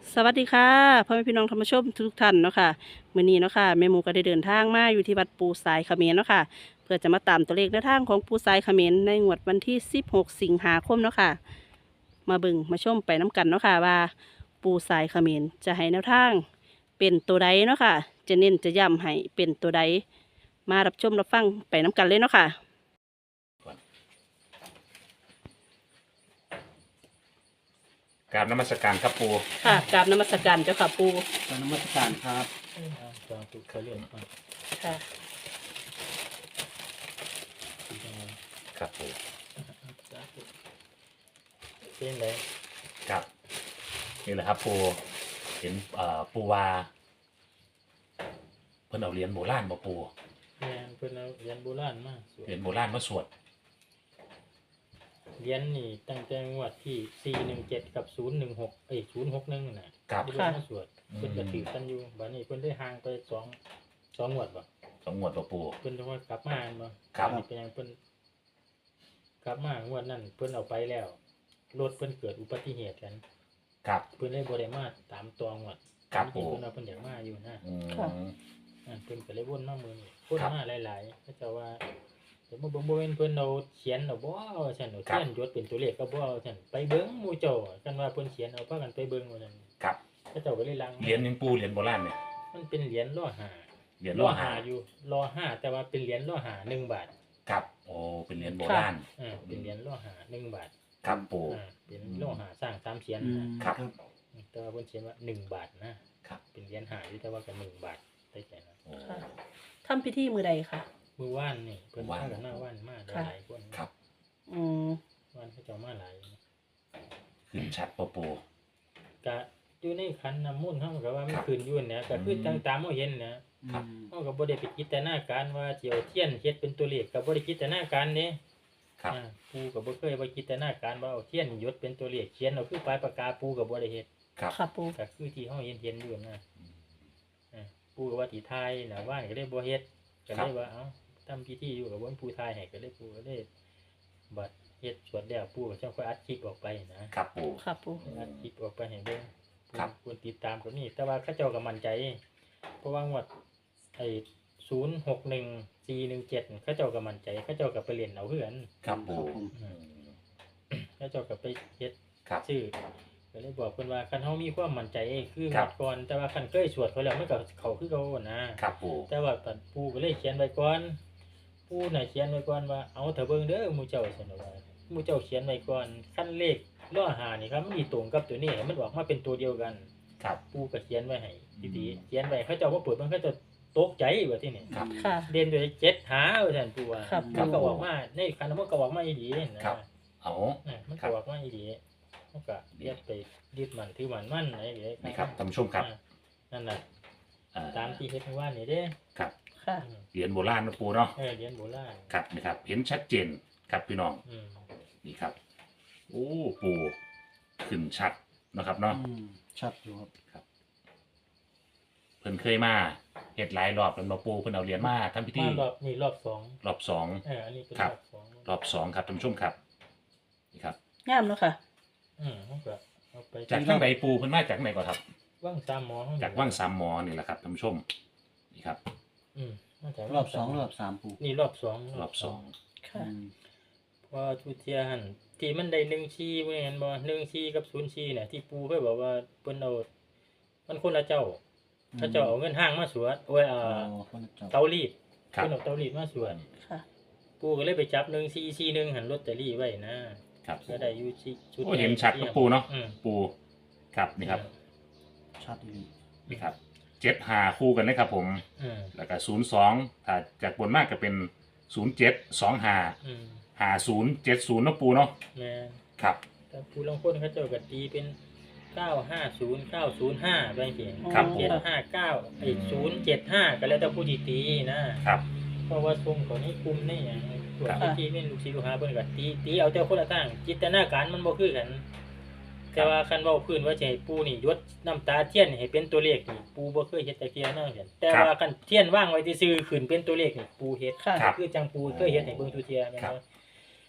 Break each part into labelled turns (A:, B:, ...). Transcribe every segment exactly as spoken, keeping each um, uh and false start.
A: สวัสดีค่ะพ่อแม่พี่น้องธรรมชมทุกท่านเนาะค่ะมื้อนี้เนาะค่ะแม่หมูก็ได้เดินทางมาอยู่ที่วัดปูสายเขมรเนาะค่ะเพื่อจะมาตามตัวเลขแนวทางของปูสายเขมรในงวดวันที่สิบหกสิงหาคมเนาะค่ะมาเบิ่งมาชมไปน้กันเนาะค่ะว่าปูสายเขมรจะให้แนวทางเป็นตัวใดเนาะค่ะจะเน้นจะย้ำให้เป็นตัวใดมารับชมรับฟังไปน้กันเลยเนาะค่ะ
B: กราบนมัสการครับปู
A: ค่ะกราบนมัสการเจ้าค่ะปู
C: กรารนมัสการครับ
D: จองตุกเขาเรียนก่อน
A: ค่ะ
B: ครับปู
D: เป็นไร
B: ครับนี่แหละครับปูเห็นเอ่อปูวาเพิ่นเอาเหรียญโบราณมาปู
D: แมนเพิ่นเอาเหรียญโบราณมาสวด
B: เหรียญโบราณมาสวด
D: เหรียญนี่ตั้งแต่งวดที่สี่หนึ่งเจ็ดกับศูนย์หนึ่งหกเอ้ยศูนย์หกหนึ่งน่ะ
B: ครับ
D: ที่เพิ่นมาสวดเพิ่นก็ถือกันอยู่บัดนี้เพิ่นได้ห่างไปสองสองงวดบ่
B: สองงวดมาปู
D: เพิ่นจะว่ากลับมาบ่
B: ครับ
D: ดนี้เป็นหยังเพิ่นกลับมางวดนั้นเพิ่นเอาไปแล้วรถเพิ่นเกิดอุบัติเหตุกัน
B: ครับ
D: เพิ่นเลยบ่ได้มาตามตัวงวด
B: ครับ
D: จริง
B: ปู
D: ๆเพิ่นว่าเพิ่นอยากมาอยู่นะ
B: อืม
D: อ่าเพิ่นก็เลยวนมามื้อนี้วน
B: ครับ
D: มาหลายๆเขาเจ้าว่าแต่บ่เบิ่งบ่แม่นเพิ่นเอาเขียนเอาบ่ว่าซั่นเอา
B: ครั
D: เขี
B: บ
D: ยนยศเป็นตัวเลขก็บ่เอาซั่นไปเบิ่งหมู่เจ้ากันว่าเพิ่นเขียนเอาพากันไปเบิ่งว่าซั่น
B: ครับ
D: เขาเจ้าก็เลยลัง
B: เหรียญยังปูเหรียญโบราณเนี่ย
D: มันเป็นเหรียญล่อหา
B: เหรียญล่อหา
D: อยู่ล่อหาแต่ว่าเป็นเหรียญล่อหาหนึ่งบาท
B: ครับโอ้เป็นเหรียญโบราณ
D: อ่าเป็นเหรียญล่อหาหนึ่งบาท
B: ครับปู
D: อ่าเป็นล่อหาสร้างสามเสียน
C: อืม
D: นะครับ
C: ครับ
D: แต่ว่าเพิ่นเขียนว่าหนึ่งบาทนะครับ เป็นเหรียญหาอยู่แต่ว่าก็หนึ่งบาทได้แค่นั้น
B: โอ้
A: ค่ะทำพิธีมือใดค่ะ
D: มื้อวานนี่เพิ่น
B: ว่าน
D: พากันมาว่านมาหลายๆคน
B: ครับ
A: อืม
D: ว่านเขาเจ้ามาหลาย
B: ขึ้นชัดปะปู
D: กะอยู่ในขันน้ำมูลเฮาก็ว่ามัน
B: ครับ
D: ขึ้นอยู่เนี่ยก็คือ
B: อืม
D: ตามตามเฮาเห็นนะ
B: ครับ
C: อืม
D: เฮาก็บ่ได้ไปจินตนาการว่าสิเอาเทียนเฮ็ดเป็นตัวเลขก็บ่ได้จินตนาการเด้
B: ครับ
D: อ่าปูก็บ่เคยว่าจินตนาการว่าเอาเทียนหยดเป็นตัวเลขเขียนเอาคือปลายปากกาปูก็บ่ได้เฮ็ด
B: ครับ
A: ค่ะปู
D: ก็คือที่เฮาเห็นเห็นอยู่นะอ่าปูก็ว่าสิทายน่ะว่านก็เลยบ่เฮ็ดก็เลยว่าเอ้าทำพิธีอยู่ก็บ่มีผู้ทายให้ก็เลยปูก็เลยบัดเฮ็ดสวดแล้วปูก็จังค่อยอัดคลิปออกไปนะครับ
B: ปู
A: ค่ะปู
D: อัดคลิปออกไปให้เบิ่ง
B: ครับ
D: คนติดตามก็มีแต่ว่าเขาเจ้าก็มั่นใจ เพราะว่างวดไอ้ศูนย์หกหนึ่งสี่หนึ่งเจ็ดเขาเจ้าก็มั่นใจเขาเจ้าก็ไปเรียนเอาเพื่อน
B: ครับปู
C: ครับผม
B: อืม
D: เขาเจ้าก็ไปเฮ็ด
B: ครับ
D: ชื่อก็เลยบอกเพิ่นว่าคันเฮามีความมั่นใจคือง
B: ครั
D: ว
B: บ
D: ดก่อนแต่ว่าคันเคยสวดเขาแล้วมันก็เขาคือเขานะครับ
B: ปู
D: แต่ว่าปัดปู่ก็เลยเขียนไว้ก่อนปู่น่ะเขียนไว้ก่อนว่าเอาเถอะเบิ่งเด้อหมู่เจ้าซั่นว่าหมู่เจ้าเขียนไว้ก่อนคันเลขล้อหานี่ครับมันสิตรงกับตัวนี้ให้มันออกมาเป็นตัวเดียวกัน
B: ครับ
D: ปู่ก็เขียนไว้ให้ดี
B: อืม
D: ๆเขียนไว้เขาเจ้าบ่เปิดมันเขาจะตกใจว่าที่นี่
B: ครับ
A: ค่ะ
D: เด่นด้วยเจ็ดหาว่าซั่นปู่ว่า
A: ครับ
D: มันก็ออกมาในคันมันก็ออกมาอีหลีนะครับ
B: เอา
D: น่ะมัน
B: ครั
D: ก็
B: บ
D: ออกมาอีหลีมันก็เรียกไปยึดมันถือมันมันอะไรอย่างเงี้ย
B: นี่ครับท่านผู้ชมครับ
D: อ่านั่นน่ะ
B: อ่
D: ตามที่เฮ็ดเมื่อวานนี่เด้
B: ครับ
A: ค่ะ
D: อืม
B: เหรียญโบราณนะปูเนาะ
D: เออเหรียญโบราณ
B: ครับนี่ครับเห็นชัดเจนครับพี่น้อง
D: อืม
B: นี่ครับโอ้ปูขึ้นชัดนะครับเนาะ
C: อืมชัดอยู่ครับ
B: เพิ่นเคยมาเฮ็ดหลายรอบแล้วเนาะปูเพิ่นเอาเหรียญมาทำพิธี
D: มารอบนี่รอบสอง
B: รอบสอง
D: เอออันนี้เป็น
B: ครับ
D: รอบสอง
B: รอบสองครับท่านผู้ชมครับนี่ครับ
A: งามเนาะค่ะ
D: อืมมันก็เอาไป
B: จากทางใดปูเพิ่นมาจากไหนก่อนครับ
D: ว่างสามหมอ
B: จากว่างสามหมอนี่แหละครับท่านผู้ชมนี่ครับ
D: อืมมาจาก
C: รอบสองรอบสามปู
D: นี่รอบสอง
B: รอบสอง
A: ค่ะ
C: อืม
D: เพราะว่าทุเทียหันที่มันได้หนึ่งชีบ่แม่นบ่หนึ่งชีกับศูนย์ชีเนี่ยที่ปู่เคยบอกว่าเพิ่นเอามันคนละเจ้าเขาเจ้าเอาเงินห้างมาสวดโอ้ย
C: อ๋
D: อ่า
C: อคนละจับ
D: เตารีด
B: ครับ
D: เพิ่นเอาเตารีดมาสวด
A: ค่ะ
D: ปู่ก็เลยไปจับหนึ่งซีซีหนึ่งหันลอตเตอรี่ไว้นะครับ ก็ได้อยู่ที่ชุด
B: โอ้เห็นชัดครับปูเนาะ
D: อืม
B: ปูครับนี่ครับ
C: ชัดดี
B: นี่ครับเจ็ดหาคู่กันนะครับผม
D: อืม
B: แล้วก็ศูนย์สองถ้าจากบนมากก็เป็นศูนย์เจ็ดสองหา
D: อืม
B: หาศูนย์เจ็ดศูนย์เนาะปูเนาะ
D: แม่น
B: ครับ
D: แต่ผู้ลางคนเขาเจ้าก็ตีเป็นเก้าห้าศูนย์ เก้าศูนย์ห้าไปจังซี่
B: ครับผ
D: เจ็
B: ม
D: ดห้าเก้าไอ้ศูนย์เจ็ดห้าก็แล้วแต่ผู้ที่ตีนะครับ เพราะว่าทรงของนี้กลุ่มนี่อย่างพวก
B: ครับ
D: ที่เป็นลูกศิษย์ลูกหาเพิ่นก็ตีตีเอาแต่คนละทางจินตนาการมันบ่คือกัน แต่ว่าคันเว้าพื้นว่าจะให้ปูนี่ยดน้ำตาเทียนให้เป็นตัวเลขนี่ปูบ่เคยเฮ็ดแต่เทียนนั่นเห็นแต่ว่าคันเทียนวางไว้ซื่อๆขึ้นเป็นตัวเลขนี่ปูเฮ็ด
A: ค่ะ
B: ครับ
D: คือจังปูเคยเฮ็ดให้เบิ่งทุเทียแม่น
B: ครับ
D: บ่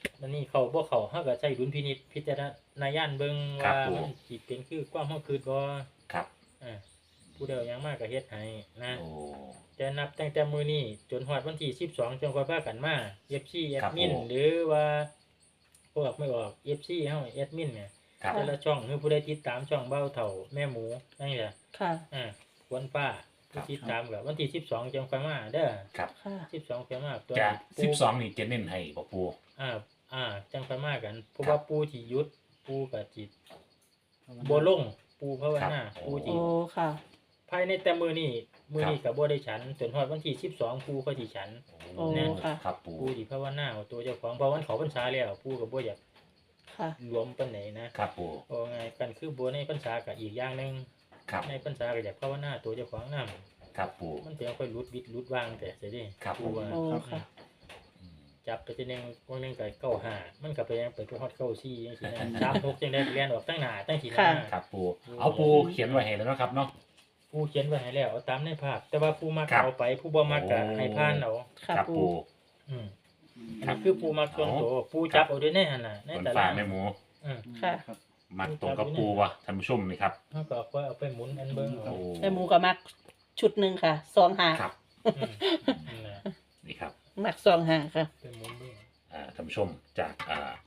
D: มันนี่เขาบ่เขาเฮาก็ใช้ดุลพินิจพิจารณญาณเบิ่งว่ามันสิเป็นคือความเฮาคิดบ่
B: ครับ
D: อ่าผู้ใดเอาหยังมาก็เฮ็ดให้นะ
B: โอ้
D: จะนับตั้งแต่มื้อนี้จนฮอดวันที่สิบสองจังค่อยพากันมา เอฟ ซี แอ
B: ครั
D: ด
B: บ
D: มิน
B: ผม
D: หรือว่าพวกไม่ออก เอฟ ซี เฮาแอดมินเนี่ย
B: ครับ
D: แต่ละช่องคือผู้ใดติดตามช่องเบ้าเฒ่าแม่หมูนั่นแหละ
A: ค่ะ
D: อ่าควนฟ้า
B: ครั
D: ผู้
B: บ
D: ติดตามก็วันที่สิบสองจังค่อยมาเด้อ
B: ครับ
A: ค่ะ
D: สิบสองค่อยมาตัว
B: จะ
D: ปู
B: สิบสองนี่จะเน้นให้บ่ปู
D: อ่าอ่าจังค่อยมากัน เพราะ
B: ครับ
D: ว่าปูที่หยุดปูก็จิตบ่ลงปูภาวนา
B: ครับ
D: ปู
A: โอ้
D: ที่
A: ค่ะ
D: ภายในแต่มื้อนี้มื้อนี้
B: ครับ
D: ก็บ่ได้ฉันจนฮอดวันที่สิบสองปูก็สิฉัน
A: โอ้
D: แน่
A: ค่ะ
B: ครับปู
D: ปูที่ภาวนาเอาตัวเจ้าของเพราะวันเขาพรรษาแล้วปูก็บ่อยาก
A: ค่ะ
D: รวมปานไหนนะครับ
B: ปู
D: เพราะไงกันคือบ่ในพรรษาก็อีกอย่างหนึง
B: ครับ
D: ในพรรษาก็อยากภาวนาตัวเจ้าของนํ
B: ครับปู
D: มันเป็นค่อยรุดวิดรุดวางแต่เสิเด้
B: ครับ
D: ปูว่า
A: โอ้ค่ะ
B: อืม
D: จับไปทีนึงวันหนึงก็เก้าห้ามันก็ไปยังไปฮอดเก้าสี่จังซี่นะ สามหกจังได๋เรียนออกตั้งหน้าตั้งทีหน้า
A: ค่ะ
B: ครับปูเอาปูเขียนไว้ให้แล้วเนาะครับเนาะ
D: ปูเขียนไว้ให้แล้วเอาตามในภาพ แต่ว่าปูมัก
B: ครับ
D: เอาไปผู้บ่มักก็
B: โอ้
D: ให้ผ่านเอา
A: ค่ะ
B: ครับ
A: ปู
B: ปู
D: อืมอัน
B: ครั
D: นี้
B: บ
D: คือปูมักส่วนตัวปูจับเอาด้วยในหั่นน่ะใน
B: บน
D: ตา
B: ฟ้า
D: รา
B: แม่หมู
D: อืม
A: ค่ะ
C: ครับ
B: มักตรงกับปูวะท่านผู้ชมนี่ครับ
D: เฮาก็ค่อยเอาไปหมุนอันเบิ่ง
B: โอ้
D: เอา
A: แม่หมูก็มักชุดหนึ่งค่ะสองหา
B: ครับ
D: อืมนั่นแหละ
B: นี่ครับ
A: มักสองหาค่ะ
D: ไปหมุนเบิ่ง
B: อ่าท่านผู้ชมจากอ่า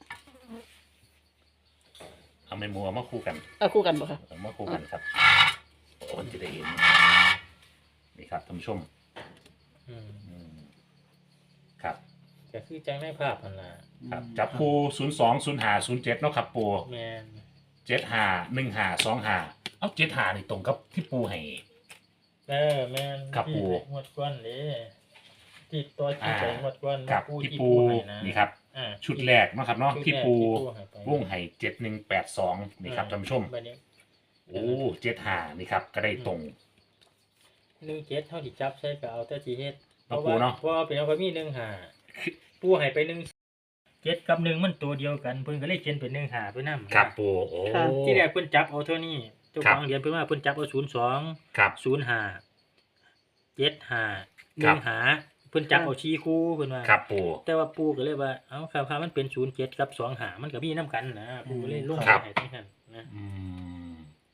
B: เอาแม่หมูเอามาคู่กัน
A: เอาคู่กันบ่ค่ะ
B: เอามาคู่กันครับคนจะได้เห็นนี่ครับท่านผู้ชม
D: อืม
B: อืมครับ
D: ก็คือจังในภาพนั่นล่ะ
B: ครับจับคู่ศูนย์สองศูนย์ห้าศูนย์เจ็ดเนาะครับปู
D: แม่น
B: เจ็ดห้าหนึ่งห้าสองห้าเอาเจ็ดห้านี่ตรงกับที่ปูให้
D: เออแม่น
B: ครับ
D: ที่
B: ปู่
D: งวดก่อนเด้ที่ตัวที่ไปงวดก่อน
B: กับ
D: ปู
B: ที่
D: ที่
B: ปู
D: ปูให้นะ
B: นี่ครับ
D: อ่า
B: ชุดแรกเนาะครับเนาะ
D: ชุด
B: ที่
D: แรก
B: ปู
D: ให้ไป
B: วงไห่เจ็ดหนึ่งแปดสองนี่ครับท่านผู้ชม
D: บัดนี้
B: โอ้เจ็ดห้านี่ครับ ก็ได้ตรง
D: หนึ่งเจ็ดเท่าที่จับใช้ก็เอาแต่ที่เฮ็ดเพ
B: เอา
D: ราะ
B: ปู
D: ว่า
B: เนาะ
D: เพราะว่าเป็นเอาก็มีหนึ่งหาปูให้ไปหนึ่งเจ็ดกับหนึ่งมันตัวเดียวกันเพิ่นก็เลยเขียนเป็นหนึ่งหาไปนำ
B: ครับปูโอ้
A: ค่ะ
D: ที่แรกเพิ่นจับเอาเท่านี้เจ้า
B: ครั
D: ข
B: บ
D: องเหรียญเพิ่นว่าเพิ่นจับเอาศูนย์สอง
B: ครับ
D: ศูนย์ห้าเจ็ดห้าห
B: ครั
D: นึ่
B: บ
D: งหาเพิ่นจับเอาชี้คู่เพิ่นว่า
B: ครับปู
D: แต่ว่าปูก็เลยว่าเอ้าครับครับมันเป็นศูนย์เจ็ดกับสองหามันก็มีน้ำกันนะปูก็เลยลง
B: ครับ
D: ให้ทั้งนั้นนะ
B: อืม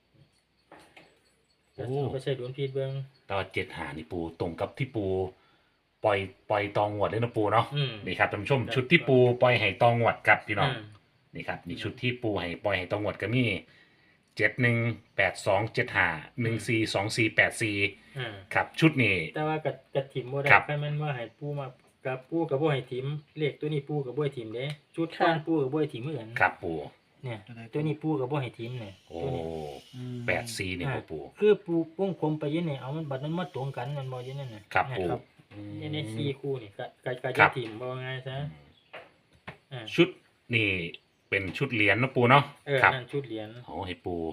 D: ก็
B: โอ้
D: เอาไปใส่ดุลพินิจเบิ่ง
B: แต่ว่าเจ็ดห้านี่ปูตรงกับที่ปู ปล่อยปล่อยตองงวดเลยนะปูเนาะ
D: อืม
B: นี่ครับท่านผู้ชม
D: ครับ
B: ชุดที่ปูปล่อยไห่ตองงวดครับพี่น้อง
D: อืม
B: นี่ครับนี่ชุดที่ปูให้ปล่อยให้ตองงวดก็มีเจ็ดหนึ่งแปดสองเจ็ดห้าหนึ่งสี่สองสี่แปดสี่
D: อ่า
B: ครับชุดนี้
D: แต่ว่ากับกับถิ่มบ่ได้
B: ครับ
D: แค่มันว่าให้ปูมากับปูกับบ่ให้ถิ่มเลขตัวนี้ปูกับบ่ให้ถิ่มเด้ชุดก้อนปูกับบ่ให้ถิ่มเหมือน
B: ครับปู
D: เนี่ยตัวนี้ปูกับบ่ให้ถิ่มเนี่ย
B: โอ้
D: ตัวนี้
C: อืม
B: แปดสี่นี่
D: อ่า
B: บ่ปู
D: คือปูวงกลมไปอยันเนี่ยเอามันบัดมันมาตรงกันมันบ่อยันนั่นน่ะ
B: ครับ
D: เนี่ย
B: ปู
D: ครับ
B: อืม
D: นี่ในสี่คู่นี่ก็ก็ก็
B: ครั
D: จะ
B: บ
D: ถิ่มบ่ว่าไงซะ
B: อืม
D: อ่า
B: ชุดนี่เป็นชุดเหรียญเนาะปูเนาะ
D: เออ
B: ครับ
D: นั่นชุดเหรียญ
B: โอ้ให้ปู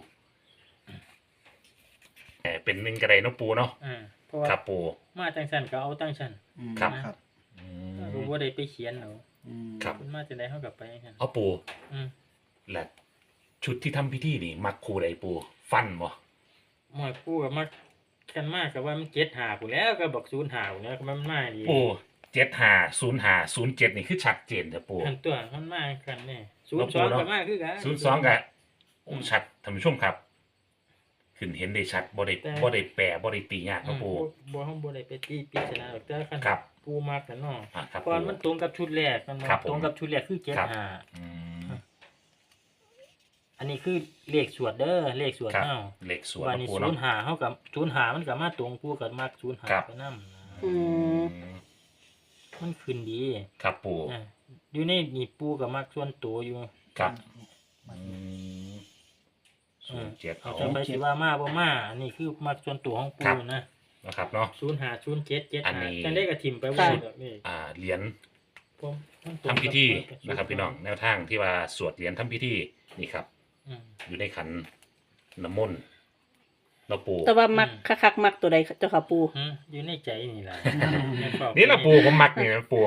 B: แต่เป็นหนึ่งกระไดเนาะปูเนาะ
D: อ่าเพราะว่า
B: ครับปู
D: มาจังซั่นก็เอาจังซั่น
C: อืม
B: ครับ
C: ครับ
B: อื
D: ก็
B: ม
D: บ่ได้ไปเขียนเอา
C: อืม
B: ครับ
D: เพิ่นมาจังได๋เฮาก็ไปจังซั่น
B: เอาปู
D: อืม
B: และชุดที่ทำพิธีนี่ มักครูใดปู ฟันบ่
D: หมอยปูก็มากันมากก็ว่ามันเจ็ดหาพุ่นแล้วก็บอกศูนย์หาพุ่นแล้วก็มันมาดี
B: ปูเจ็ดห้าศูนย์ห้าศูนย์เจ็ดนี่คือชัดเจนเถอะปู
D: อันตัวมันมากันแน่ศูน
B: แล้ว
D: ย์
B: ปู
D: สอง
B: เนาะ
D: ก็มาคือกัน
B: ศูนย์สองกะ
D: อืม
B: ชัดท่านผู้ชมครับ ขึ้นเห็นได้ชัดบ่ได้
D: แต่
B: บ่ได้แปรบ่ได้ตียาก
D: อื
B: เนาะ
D: ม
B: ปู
D: บ่บ่เฮาบ่ได้ไปตีปริศนาหรอกแต่คัน
B: ครับ
D: ปูมากกันเนาะ
B: อ่ะครับ
D: ก่อน
B: ปู
D: มันตรงกับชุดแรกมันมา
B: ครับผม
D: ตรงกับชุดแรกคือเจ็ด
B: ครับ
D: หา
B: อืม
D: อันนี้คือเลขสวดเด้อเลขสวด
B: ครับ
D: เฮา
B: เหล็กสวน
D: วัน
B: เนาะ
D: นี้
B: ปู
D: ศู
B: เนาะ
D: นย์หาเฮากับศูนย์หามันก็มาตรงปูกับมักศูนย์หา
B: ครับ
D: ไปนำ
A: อืม
D: มันขึ้นดี
B: ครับปู
D: อ่ะอยู่ในนี่ปูกับมักส่วนตัวอยู่
B: ครับอืมศูนย์เจ็ด
D: เอา
B: เอา
D: จะไปสิว่ามาบ่มาอันนี้คือมักส่วนตัวของปู
B: ครับ
D: นะ
B: นะครับเนาะ
D: ศูนย์หาศูนย์เจ็ดเจ็ด
B: อัน
D: หา
B: นี้
D: จังได้ก็ทิ่มไป
A: ค่ะ
D: ว่าแบบนี้
B: อ่าเหรียญ
D: ผมมันตรง
B: ทำพิธี
D: กับ
B: นะครับ พี่น้องแนวทางที่ว่าสวดเหรียญทำพิธีนี่ครับ
D: อืม
B: อยู่ในขันน้ำมนต์เราปู
A: แต่ว่ามักคักๆมักตัวใดเจ้าค่ะปู
D: อืมอยู่ในใจนี่ล่ะในครอบ
B: นี่เราปูผมมักนี่นะปู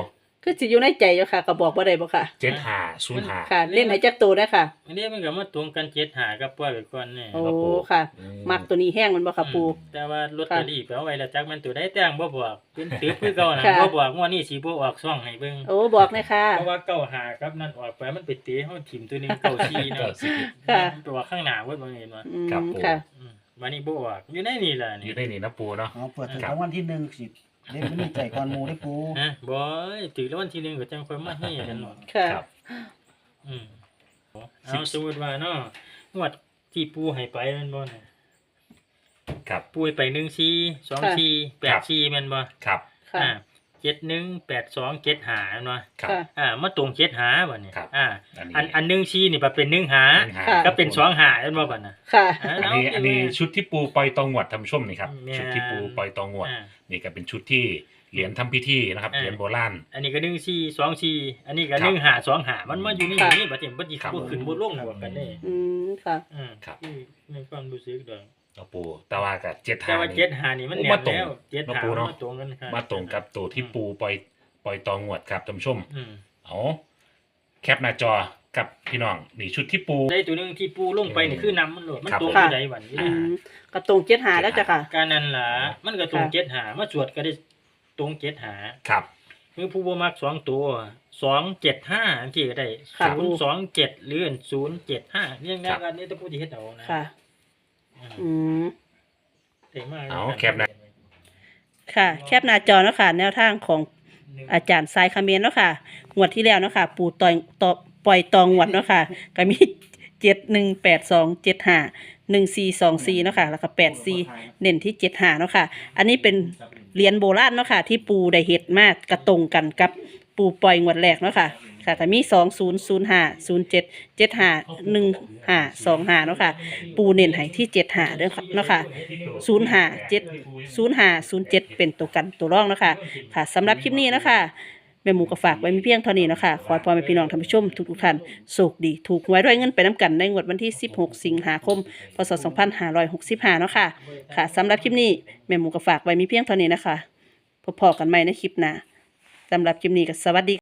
A: คือสิอยู่ในใจอยู่ค่ะก็บอกบ่ได้บ่ค่ะ
B: เจ็ดห้าศูนย์ห้า
A: ค่ะเล่นให้จักตัวได้ค่ะ
D: อันนี้มันก็มาตรงกันเจ็ดหากับปล่อยไปก่อนนี่
A: โอ้
B: ครับผม
A: ค่ะ
B: อืม
A: มักตัวนี้แห้งมันบ่ค่ะปู
D: แต่ว่าลอตเตอรี่ไปเอาไว้แล้วจักมันตัวได้แต่งบ่บอกเป็นถือคือเก่าน่ะ
A: ค่ะ
D: บ่บอกงวดนี้สิบ่ออกซ่องให้เบิ่ง
A: โอ้บอกเลยค่ะ
D: เพราะว่าเก้าหากับนั่นออกไปมันไปเตะเฮาถิ่มตัวหนึงเก้าสี่
B: เก้า
D: เนาะ
B: สี่
A: ค่ะ
D: ตัวข้างหน้าเบิดบ่เห็นว่า
A: อืม
B: ครับผม
A: ค่ะ
D: อืมวันนี้บ่ออกอยู่ในนี่ล่ะ
B: อ
D: นี่
B: ยู่ในนี่นะปูเนาะ
C: เอาเปิดถึง
B: ครับ
C: รางวัลที่หนึ่งสิเล่นไม่มีใจก่อนหมูได้ปู
D: ฮะบ่ยถือรางวัลที่หนึ่งก็จังค่อยมาให้กันเนาะ
A: ค่ะ
B: ครับ
D: อืมเอาสมมุติว่าเนาะงวดที่ปูให้ไปแม่นบ่น่ะ
B: ครับ
D: ปูให้ไปหนึ่งสี่ สองสี่ แปดสี่แม่นบ่
B: ครับ
A: ค่ะ
D: อ่าเจ็ดหนึ่ง แปดสอง เจ็ดห้าแม่นบ่
B: ครับ
A: ค่ะ
D: อ่ามาตรงเจ็ดห้าบัดนี้
B: ครับ
D: อ่า
B: อันนี้
D: อันอันหนึ่งสี่นี่บ่เป็นหนึ่งห้า
B: หนึ่งห้า
A: ค่ะ
D: ก็เป็นสองห้าแม่นบ่บัดน่ะ
A: ค่ะ
D: อ่า
B: อันนี้อันนี้ชุดที่ปูปล่อยตองงวดทำชุ่มนี่ครับ
D: แม่น
B: ชุดที่ปูปล่อยตองงวด
D: อ่า
B: นี่ก็เป็นชุดที่เหรียญทำพิธีนะครับ
D: อ่า
B: เหรียญโบราณ
D: อันนี้ก็หนึ่งสี่ สองสี่ อันนี้ก็
B: ครับ
D: หนึ่งห้า สองห้ามันมาอยู่ใน
A: ค่ะ
D: นี้บัดนี้บัดนี้
B: ครับ
D: บ่ขึ้นบ่ลงบวกกันเด้
A: อืมค่ะ
D: อืม
B: ครับ
D: อืมในความรู้สึกดอก
B: เนาะปูแต่ว่ากับเจ็ด
D: แต่
B: ห้า
D: ว่า
B: นี่
D: เจ็ดห้านี่มัน
B: โอ้
D: แน่
B: มาตรง
D: แล้วเจ็ดห้า
B: เนาะปู่เนาะ
D: มาตรงกันค่ะ
B: มาตรงกับตัวที่ปูปล่อยปล่อยตองงวดครับท่านผู้ชม
D: อืม
B: เอาแคปหน้าจอกับพี่น้องนี่ชุดที่ปู
D: ได้ตัวหนึงที่ปูลงไปนี่คือน้ำมันโหลดมัน
B: ครับ
D: ตรง
A: ค่ะ
D: ที่ใดวันนี้
A: อืมกระตรงเจ็ดหาแล้วจ้ะค่ะ
D: การนั้นล่ะมันก็ตรง
A: ค่ะ
D: เจ็ดหามาสวดก็ได้ตรงเจ็ดหา
B: ครับ
D: คือผู้บ่มักสองตัวสองเจ็ดห้าอันที่ก็ได้
A: ค่ะ
D: ศูนย์สองเจ็ดหรือศูนย์เจ็ดห้าเรียง
B: ครั
D: ง่าย
B: บ
D: กันนี่ต้องพูดที่เฮ็ดเอานะ
A: ค่ะ
D: อืม
A: อืม
D: เจ๋งมาก
B: เอาแคปหน้า
A: ค่ะ แคปหน้าจอเนาะค่ะ แนวทางของอาจารย์สายคาเมนเนาะค่ะ งวดที่แล้วเนาะค่ะ ปูต่อยต่อปล่อยตองงวดเนาะค่ะ ก็มีเจ็ดหนึ่งแปดสองเจ็ดห้าหนึ่งสี่สองสี่เนาะค่ะ แล้วก็แปดสี่เน้นที่เจ็ดห้าเนาะค่ะ อันนี้เป็นเหรียญโบราณเนาะค่ะ ที่ปูได้เฮ็ดมากกระตรงกันกับปูปล่อยงวดแรกเนาะค่ะ ค่ะก็มีสองศูนย์ศูนย์ห้าศูนย์เจ็ดเจ็ดห้าหนึ่งห้าสองห้าเนาะค่ะ ปูเน้นให้ที่เจ็ดห้าเด้อค่ะเนาะค่ะศูนย์ห้าเจ็ดศูนย์ห้าศูนย์เจ็ดเป็นตัวกันตัวรองเนาะค่ะค่ะสำหรับคลิปนี้เนาะค่ะแม่หมูก็ฝากไว้มีเพียงเท่านี้เนาะค่ะขอให้พ่อแม่พี่น้องท่านผู้ชมทุกๆท่านโชคดีถูกหวยด้วยเงินไปน้ำกันในงวดวันที่สิบหกสิงหาคมพศสองพันห้าร้อยหกสิบห้าเนาะค่ะค่ะสำหรับคลิปนี้แม่หมูก็ฝากไว้มีเพียงเท่านี้นะคะพบกันใหม่ในคลิปหน้าสำหรับคลิปนี้ก็สวัสดี